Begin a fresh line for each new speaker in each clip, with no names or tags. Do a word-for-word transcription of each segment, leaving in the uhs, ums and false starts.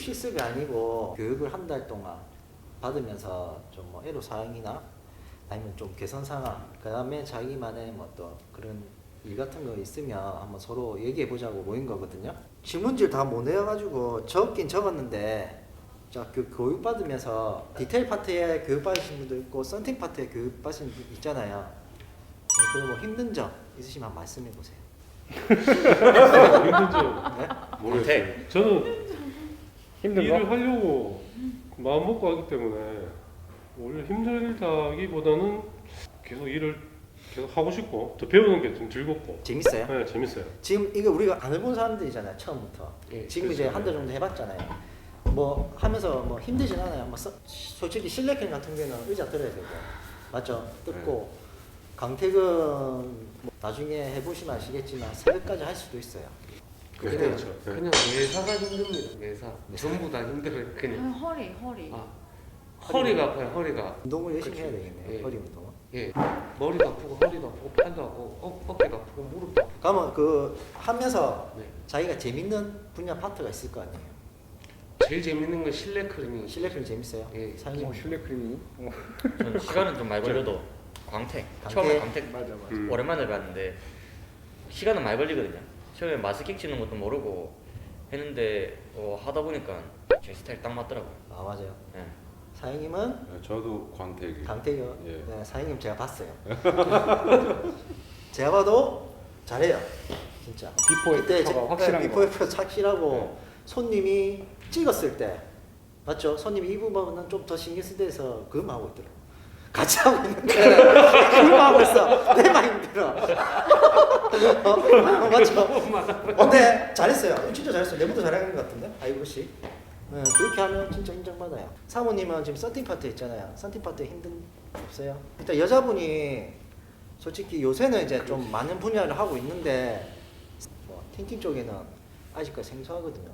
실습이 아니고 교육을 한 달 동안 받으면서 좀 뭐 애로 사항이나 아니면 좀 개선 상황, 그 다음에 자기만의 뭐 또 그런 일 같은 거 있으면 한번 서로 얘기해 보자고 모인 거거든요. 질문지를 다 못 내어가지고 적긴 적었는데, 자, 그 교육 받으면서 디테일 파트에 교육 받으신 분도 있고 썬팅 파트에 교육 받으신 분 있잖아요. 네, 그리고 뭐 힘든 점 있으시면 말씀해 보세요.
힘든 점
네?
모르겠어요. 저는
힘든
일을
거?
하려고 마음 먹고 하기 때문에 오히려 힘들다기보다는 계속 일을 계속 하고 싶고 더 배우는 게 좀 즐겁고
재밌어요?
네, 재밌어요.
지금 이게 우리가 안 해본 사람들이잖아요, 처음부터.
예,
지금
그렇죠.
이제 한 달 정도 해봤잖아요. 뭐 하면서 뭐 힘들진 않아요. 뭐 서, 솔직히 실내캠 같은 경우는 의자 들어야 되고, 맞죠? 뜯고 강택은 뭐 나중에 해보시면 아시겠지만 새벽까지 할 수도 있어요.
네,
그래요.
그렇죠. 네.
그냥 매사가 힘듭니다. 매사. 전부 다 힘들어요.
아,
그냥.
허리 허리.
아, 허리가 아파요. 허리가.
운동을 열심히
그치.
해야 되겠네요.
예.
허리 운동은.
예. 머리도 아프고 허리도 아프고 팔도 아프고 어, 어깨도 아프고 무릎도 아프고.
그러면 그 하면서
네.
자기가 재밌는 분야 파트가 있을 거 아니에요.
제일 재밌는 건 실내 클리닝.
실내캠 재밌어요?
예.
사장님.
어, 실내 크림이? 어.
저는 시간은 좀 많이 걸려도 광택.
광택?
처음에 광택
맞아 맞아.
음.
오랜만에 봤는데 시간은 많이 걸리거든요. 처음에 마스킹 치는 것도 모르고 했는데 어, 하다 보니까 제 스타일 딱 맞더라고요.
아 맞아요.
네.
사장님은
네, 저도 광택이.
강태규.
예.
네, 사장님 제가 봤어요. 제가 봐도 잘해요. 진짜.
비포
그때
애프터가
제-
확실한
네,
거.
비포 애프터 확실하고 손님이 찍었을 때 맞죠? 손님이 이 부분은 좀 더 신경 쓸 때에서 그것만 하고 있더라고. 같이 하고 있는데 그것만 하고 있어. 내만 힘들어. 어, 맞죠? 근데 잘했어요. 진짜 잘했어요. 내부도 잘하는 것 같은데? 아이고 씨. 네, 그렇게 하면 진짜 인정받아요. 사모님은 지금 썬팅 파트 있잖아요. 썬팅 파트 힘든 거 없어요? 일단 여자분이 솔직히 요새는 이제 좀 많은 분야를 하고 있는데 뭐 틴팅 쪽에는 아직까지 생소하거든요.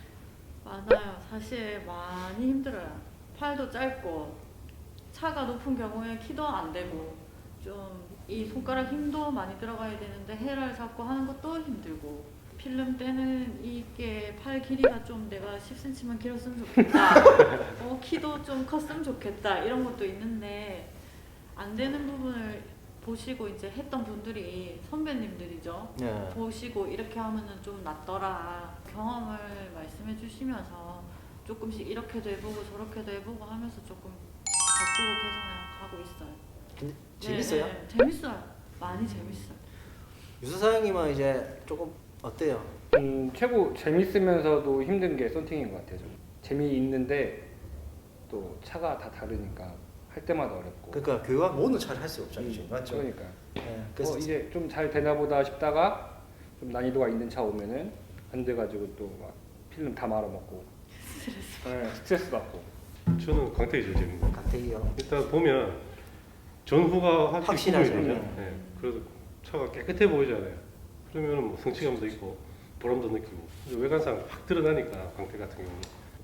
맞아요. 사실 많이 힘들어요. 팔도 짧고 차가 높은 경우에 키도 안 되고 좀 이 손가락 힘도 많이 들어가야 되는데 헤라를 잡고 하는 것도 힘들고 필름 때는 이게 팔 길이가 좀 내가 십 센티미터만 길었으면 좋겠다. 어, 키도 좀 컸으면 좋겠다. 이런 것도 있는데 안 되는 부분을 보시고 이제 했던 분들이 선배님들이죠.
네.
보시고 이렇게 하면은 좀 낫더라. 경험을 말씀해 주시면서 조금씩 이렇게도 해보고 저렇게도 해보고 하면서 조금 바꾸고 개선해 가고 있어요.
근데
네,
재밌어요?
네, 재밌어요. 많이 재밌어요.
유서 사장님은 이제 조금 어때요?
음, 최고 재밌으면서도 힘든 게 썬팅인 것 같아요. 좀. 재미있는데 또 차가 다 다르니까 할 때마다 어렵고.
그러니까 교육 모든 차를 할 수 없잖아요.
음,
지금. 맞죠?
그러니까.
네, 그래서
어, 이제 좀 잘 되나 보다 싶다가 좀 난이도가 있는 차 오면은 안 돼가지고 또 막 필름 다 말아먹고 네, 스트레스 받고.
저는 광택이 제일 재밌는 것 같아요.
강태기요.
일단 보면 전후가 확실히
확실하죠.
구분이 되죠.
음.
네. 그래서 차가 깨끗해 보이잖아요. 그러면 뭐 성취감도 있고 보람도 느끼고 외관상 확 드러나니까 광택 같은 경우는.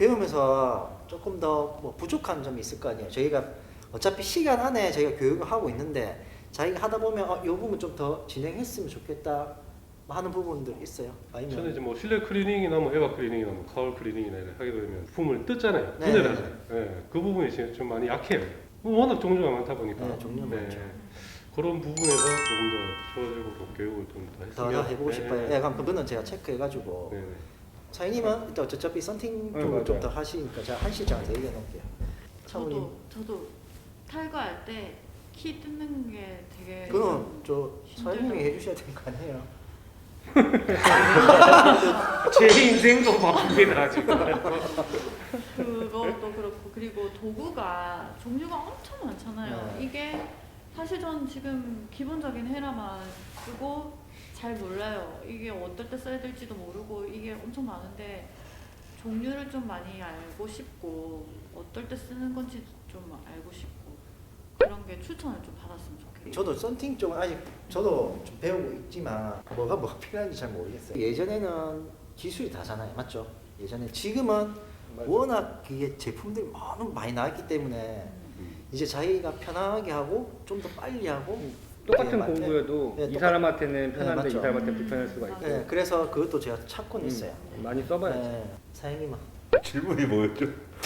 배우면서 조금 더 뭐 부족한 점이 있을 거 아니에요. 저희가 어차피 시간 안에 저희가 교육을 하고 있는데 자기가 하다 보면 어, 이 부분 좀 더 진행했으면 좋겠다 하는 부분들 있어요. 아니면
저는 이제 뭐 실내 클리닝이나 뭐 에바 클리닝이나 뭐 카울 클리닝이나 이렇게 하게 되면 부품을 뜯잖아요.
네,
분해를
네,
하잖아요. 네, 그 부분이 지금 좀 많이 약해요. 뭐 워낙 종류가 많다 보니까.
네, 종류가 많죠.
그런 부분에서 조금 더 좋아지고 또 교육을 좀 더
더,
했으면.
더 해보고
네,
싶어요.
네.
예, 그럼 그거는 제가 체크해가지고
네, 네.
사장님은 일단 어차피 썬팅
네,
쪽을 좀
맞아요.
더 하시니까 제가 한 시장한테 얘기해 놓을게요. 차분히.
저도 저도 탈거할 때 키 뜯는 게 되게
그건 저 사장님이
힘들더라고요.
해주셔야 되는 거 아니에요?
제 인생도 바쁩니다 지금.
그것도 그렇고 그리고 도구가 종류가 엄청 많잖아요.
네.
이게 사실 전 지금 기본적인 헤라만 쓰고 잘 몰라요. 이게 어떨 때 써야 될지도 모르고 이게 엄청 많은데 종류를 좀 많이 알고 싶고 어떨 때 쓰는 건지 좀 알고 싶고 그런 게 추천을 좀 받았으면 좋겠어요.
저도 썬팅 쪽은 아직 저도 좀 배우고 있지만 뭐가 뭐가 필요한지 잘 모르겠어요. 예전에는 기술이 다잖아요, 맞죠? 예전에 지금은
맞아요.
워낙 이게 제품들이 너무 많이 나왔기 때문에 이제 자기가 편하게 하고 좀 더 빨리 하고
똑같은
이렇게
공부여도
네,
이
똑같-
사람한테는 편한데
맞죠.
이 사람한테
음,
불편할 수가 있고.
맞아요.
네, 그래서 그것도 제가 찾고는
음,
있어요.
많이 써봐야지.
네, 사장님은
질문이 뭐였죠?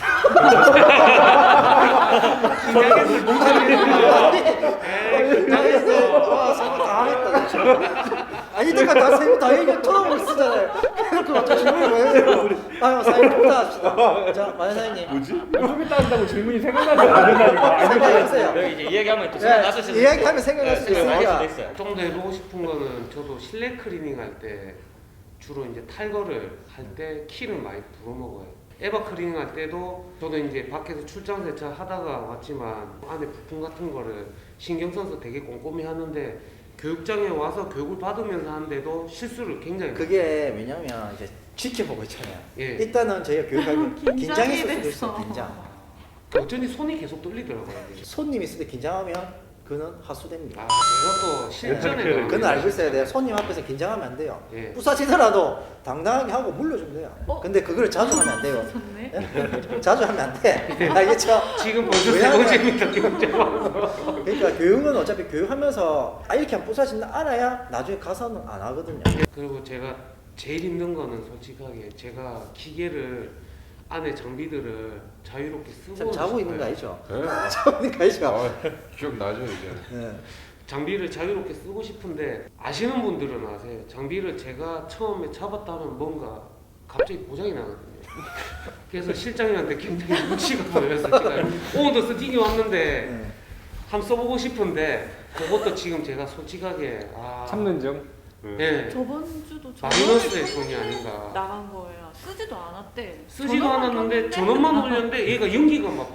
와, 사고 당황했다. 진짜. 아니, 내가 다 세고 다 얘기 처음 쓰잖아요. 그래놓고 갑자기 질문이 왜요? 아유, 사장님 좀 더 합시다. 자, 마연 사장님.
뭐지?
좀 이따 한다고 질문이 생각나지 않는다니까.
생각해보세요.
여기 이제 이야기하면 또 생각났을 수도
네, 이야기하면 생각날 수도
생각날
있으니까.
수도 있어요.
좀 더 해보고 싶은 거는 저도 실내 클리닝 할 때 주로 이제 탈거를 할 때 키를 많이 불어먹어요. 에바 클리닝 할 때도 저도 이제 밖에서 출장 세차 하다가 왔지만 안에 부품 같은 거를 신경 써서 되게 꼼꼼히 하는데 교육장에 와서 교육을 받으면서 하는데도 실수를 굉장히 많이
그게 왜냐면 이제 지켜보고 있잖아요.
예.
일단은 저희가 교육하기
긴장이
긴장했을 수도
됐어.
있어. 긴장.
어쩐지 손이 계속 떨리더라고요. 이게.
손님 있을 때 긴장하면 그는 하수됩니다.
아 제가 또 실전에
그건
그건 알고 있어야 돼요. 손님 앞에서 긴장하면 안 돼요.
예.
부사지더라도 당당하게 하고 물려주면 돼요.
어?
근데 그걸 자주 하면 안 돼요.
좋네.
예? 자주 하면 안 돼. 알겠죠?
지금 벌써 세
왜냐면-
번째입니다. 교육장.
그러니까 교육은 어차피 교육하면서 아 이렇게 하면 부사진다 알아야 나중에 가서는 안 하거든요.
그리고 제가 제일 힘든 거는 솔직하게 제가 기계를 안에 장비들을 자유롭게 쓰고
참 자고 있는 거
싶어요.
아니죠?
네?
자고 있는 거 아니죠?
아, 기억나죠 이제.
네.
장비를 자유롭게 쓰고 싶은데 아시는 분들은 아세요. 장비를 제가 처음에 잡았다 하면 뭔가 갑자기 고장이 나거든요. 그래서 실장님한테 굉장히 눈치가 보였어요. 제가 오늘도 스팅이 왔는데
네.
한번 써보고 싶은데 그것도 지금 제가 솔직하게 아,
참는 중.
예,
저번 주도
마이너스의
전원을
손이 아닌가.
나간 거예요. 쓰지도 않았대.
쓰지도
전원만
않았는데
켰는데
전원만 올렸는데 얘가 연기가 막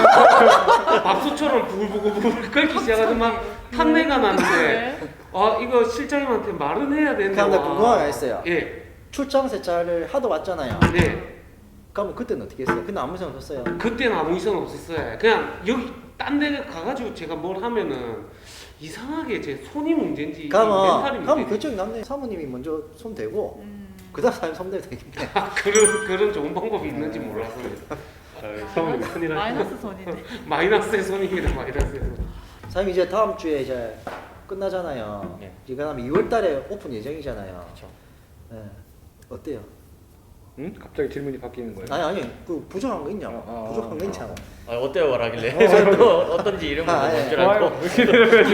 밥솥처럼 밥솥처럼 부글부글 끓기 시작하더니 막 탄내가 나는데 아 이거 실장님한테 말은 해야 되는데
그런데
와.
궁금한 게 있어요.
예,
출장 세차를 하도 왔잖아요.
네.
그러면 그때는 어떻게 했어요? 근데 아무 생각 없었어요.
그때는 아무 이상 없었어요. 그냥 여기 딴 데 가가지고 제가 뭘 하면은 이상하게 제 손이 문제인지 멘탈이
그러면 그러면
문제인지
결정이 났네. 사모님이 먼저 손 대고
음.
그다음 사람이 손 대면 되겠네.
아, 그런 그런 좋은 방법이 있는지 몰라서요.
아, 사모님 큰일 하시네.
마이너스 손이네.
마이너스의 손입니다. 마이너스의 손.
사장님 이제 다음 주에 이제 끝나잖아요.
네.
이거 하면 이월달에 오픈 예정이잖아요.
그렇죠.
네. 어때요?
응? 갑자기 질문이 바뀌는 거예요.
아니 아니 그 부족한 거 있냐고.
어, 어,
부족한 거
어.
있냐고.
아, 어때요? 라길래 저는 또 어떤지 이름을
아, 예.
뭔줄 알고
좋아요. 이렇게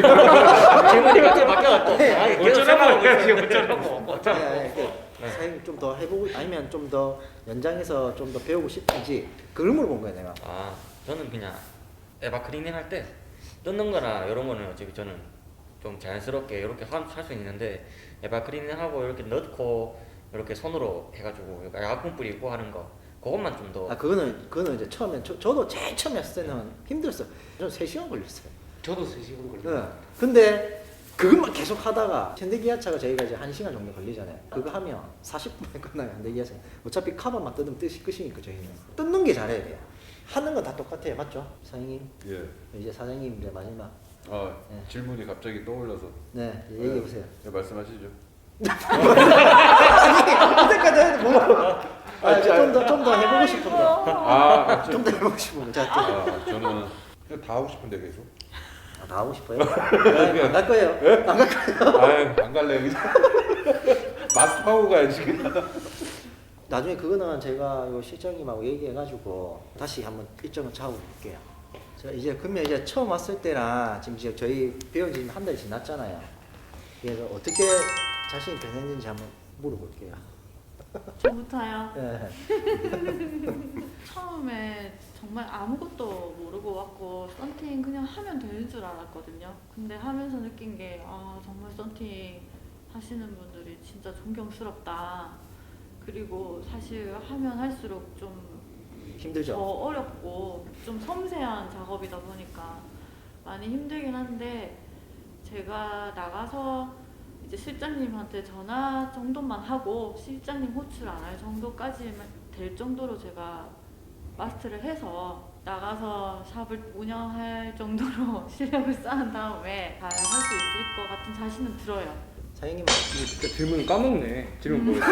되면
질문이 갑자기 바뀌어갖고
네.
아, 계속
어쩌라고
생각하고
해야지
있어요.
어쩌라고.
네, 네. 사장님 좀 더 해보고 아니면 좀 더 연장해서 좀 더 배우고 싶은지 그걸 물어본 거예요 내가.
아, 저는 그냥 에바 클리닝 할 때 뜯는 거나 이런 거는 어차피 저는 좀 자연스럽게 이렇게 할 수 있는데 에바 클리닝 하고 이렇게 넣고 이렇게 손으로 해가지고 약품 뿌리고 하는 거 그것만 좀 더
아 그거는 그거는 이제 처음에 저, 저도 제일 처음 했을 때는 힘들었어요. 저는 세 시간 걸렸어요.
저도 세 시간 걸려요.
네. 근데 그것만 계속 하다가 현대기아차가 저희가 이제 한 시간 정도 걸리잖아요. 그거 하면 사십 분에 끝나요. 현대기아차. 어차피 카바만 뜯으면 뜻이 끝이니까 저희는 뜯는 게 잘해야 돼요. 하는 건 다 똑같아요, 맞죠? 사장님
예.
이제 사장님 이제 마지막
아
네.
질문이 갑자기 떠올라서.
네 얘기해 보세요.
네, 말씀하시죠.
그때까지 해도 뭐? 아좀더 좀 더 해보고 싶은 거.
아,
좀 더 해보고 싶은 거. 자, 또.
아 저는 그냥 다 하고 싶은데 계속.
아, 다 하고 싶어요? 안 갈 거예요. 안 갈 거예요.
아유 안 갈래 그냥. 마스터하고 가야지 그냥.
나중에 그거는 제가 요 실장님하고 얘기해가지고 다시 한번 일정을 잡아볼게요. 제가 이제 그러면 이제 처음 왔을 때랑 지금 이제 저희 배운 지 한 달 지났잖아요. 그래서 어떻게 자신이 변했는지 한번 물어볼게요.
저부터요.
네.
처음에 정말 아무것도 모르고 왔고 썬팅 그냥 하면 되는 줄 알았거든요. 근데 하면서 느낀 게 아 정말 썬팅 하시는 분들이 진짜 존경스럽다. 그리고 사실 하면 할수록 좀 더
힘들죠?
어렵고 좀 섬세한 작업이다 보니까 많이 힘들긴 한데 제가 나가서 이제 실장님한테 전화 정도만 하고 실장님 호출 안 할 정도까지만 될 정도로 제가 마스터를 해서 나가서 샵을 운영할 정도로 실력을 쌓은 다음에 잘 할 수 있을 것 같은 자신은 들어요.
사장님
진짜 질문을 까먹네. 질문 뭐였어?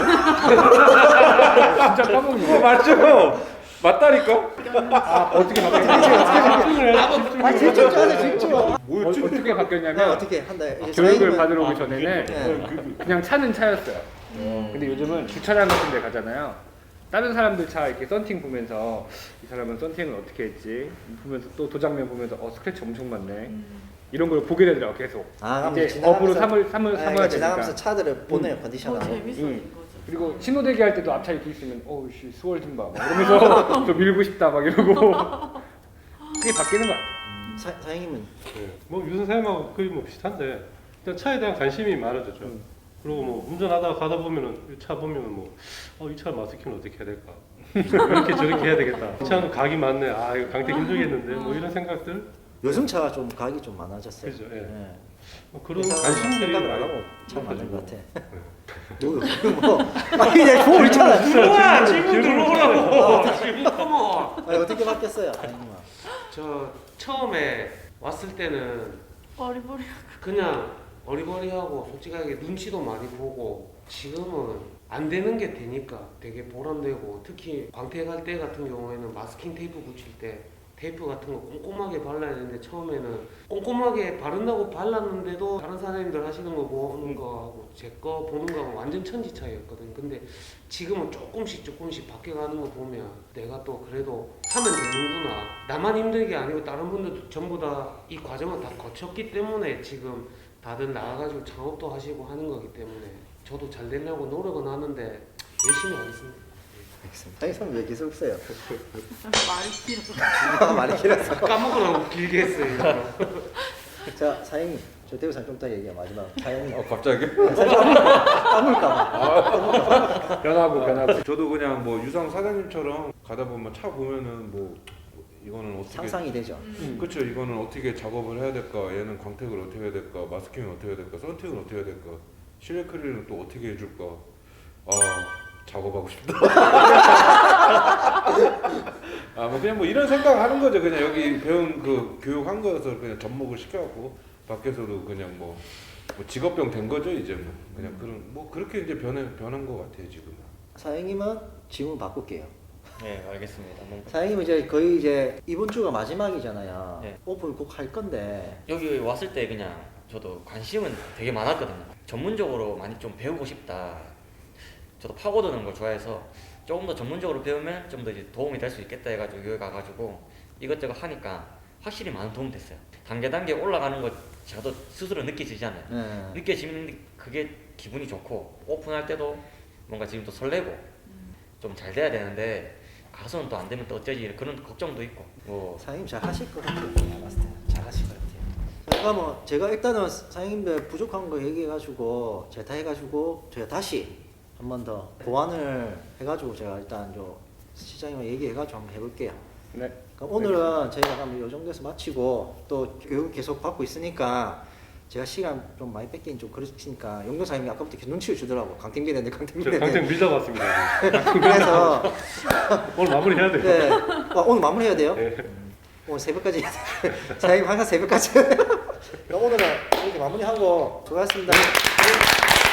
진짜 까먹네.
맞죠? 맞다니까.
아 어떻게 바뀌었냐?
아 집중 좀 하세요 집중.
어, 어떻게
네,
바뀌었냐면
어떻게 한다. 이제
교육을
사장님은-
받으러 오기 전에는
네.
그냥 차는 차였어요. 근데 요즘은 주차장 같은 데 가잖아요. 다른 사람들 차 이렇게 썬팅 보면서 이 사람은 썬팅을 어떻게 했지 보면서 또 도장면 보면서 어 스크래치 엄청 많네
음.
이런 걸 보게 되더라고 계속.
아, 그럼
이제
지나가면서-
업으로 삼을 삼을
아,
삼아야
그러니까
되니까.
지나가면서 차들을 보내요
더
컨디션하고.
재밌어진
음.
거죠.
그리고 신호대기 할 때도 앞차 이렇게 있으면 어우씨 수월 좀 봐. 막 이러면서 좀 밀고 싶다 막 이러고 그게 바뀌는 것 같아.
사, 사장님은
네. 뭐 유선 사용하고 거의 뭐 비슷한데 일단 차에 대한 관심이 많아졌죠.
음.
그리고 뭐 운전하다가 가다 보면은 이 차 보면은 뭐어이 차 마스킹은 어떻게 해야 될까? 이렇게 저렇게 해야 되겠다. 이 차는 각이 많네. 아 이거 강태 힘들겠는데 뭐 이런 생각들.
요즘 차가 좀 가격이 좀 많아졌어요.
그죠, 예.
예.
뭐 그런
그래서
관심들이
생각을 안
많이
하고 차 많은 것
높아지고.
같아. 뭐, 뭐 아니 내 보고 있잖아.
들어와 질문 들어오라고. 질문 컴온.
아니 어떻게 바뀌었어요, 사장님아?
저 처음에 왔을 때는
어리버리.
그냥 어리버리하고 솔직하게 눈치도 많이 보고 지금은 안 되는 게 되니까 되게 보람되고 특히 광택 할 때 같은 경우에는 마스킹 테이프 붙일 때 테이프 같은 거 꼼꼼하게 발라야 되는데 처음에는 꼼꼼하게 바른다고 발랐는데도 다른 사장님들 하시는 거 보는 거하고 제 거 보는 거하고 완전 천지 차이였거든요. 근데 지금은 조금씩 조금씩 바뀌어가는 거 보면 내가 또 그래도 하면 되는구나. 나만 힘든 게 아니고 다른 분들도 전부 다 이 과정을 다 거쳤기 때문에 지금 다들 나와가지고 창업도 하시고 하는 거기 때문에 저도 잘 되려고 노력은 하는데 열심히 하겠습니다.
사장님 왜 계속 없어요?
말이 길어.
많이 길어서.
까먹으라고 길게 했어요.
자, 사장님, 저 대우상 좀 이따 얘기해 마지막. 사장님,
어 갑자기?
까물까봐.
변하고 변하고.
저도 그냥 뭐 유상 사장님처럼 가다 보면 차 보면은 뭐 이거는 어떻게
상상이 되죠.
음.
그렇죠. 이거는 어떻게 작업을 해야 될까? 얘는 광택을 어떻게 해야 될까? 마스킹을 어떻게 해야 될까? 썬팅을 어떻게 해야 될까? 실내 크릴은 또 어떻게 해줄까? 아 작업하고 싶다. 아 뭐 그냥 뭐 이런 생각하는 거죠. 그냥 여기 배운 그 교육한 거여서 그냥 접목을 시켜갖고 밖에서도 그냥 뭐, 뭐 직업병 된 거죠 이제 뭐 그냥 그런 뭐 그렇게 이제 변해 변한 것 같아요 지금.
사장님은 질문 바꿀게요.
네, 알겠습니다. 뭐,
사장님은 이제 거의 이제 이번 주가 마지막이잖아요.
네.
오픈 꼭 할 건데.
여기 왔을 때 그냥 저도 관심은 되게 많았거든요. 전문적으로 많이 좀 배우고 싶다. 저도 파고드는 걸 좋아해서 조금 더 전문적으로 배우면 좀 더 이제 도움이 될 수 있겠다 해가지고 여기 가가지고 이것저것 하니까 확실히 많은 도움 됐어요. 단계 단계 올라가는 거 저도 스스로 느끼지잖아요.
네.
느껴지는 그게 기분이 좋고 오픈할 때도 뭔가 지금 또 설레고 좀 잘 돼야 되는데 가서는 또 안 되면 또 어쩌지 그런 걱정도 있고 뭐
사장님 잘 하실 것 같아요. 제가 봤을 때는 잘 하실 것 같아요. 제가 뭐 제가 일단은 사장님들 부족한 거 얘기해가지고 제가 다 해가지고 제가 다시 한 번 더 보완을 해가지고 제가 일단 저 시장님과 얘기해가지고 한번 해볼게요.
네.
그럼 오늘은 저희가 그럼 이 정도에서 마치고 또 교육 계속 받고 있으니까 제가 시간 좀 많이 뺏긴 좀 그렇으니까 용도 사장님이 아까부터 계속 눈치를 주더라고. 강택 밀었는데 강택
저 강택
밀었는데.
밀다 왔습니다.
그래서
오늘 마무리 해야 돼요.
네. 아, 오늘 마무리해야 돼요?
네.
오늘 새벽까지 해야 돼요. 사장님 항상 새벽까지 해야 돼요. 그럼 오늘은 이렇게 마무리하고 수고하셨습니다.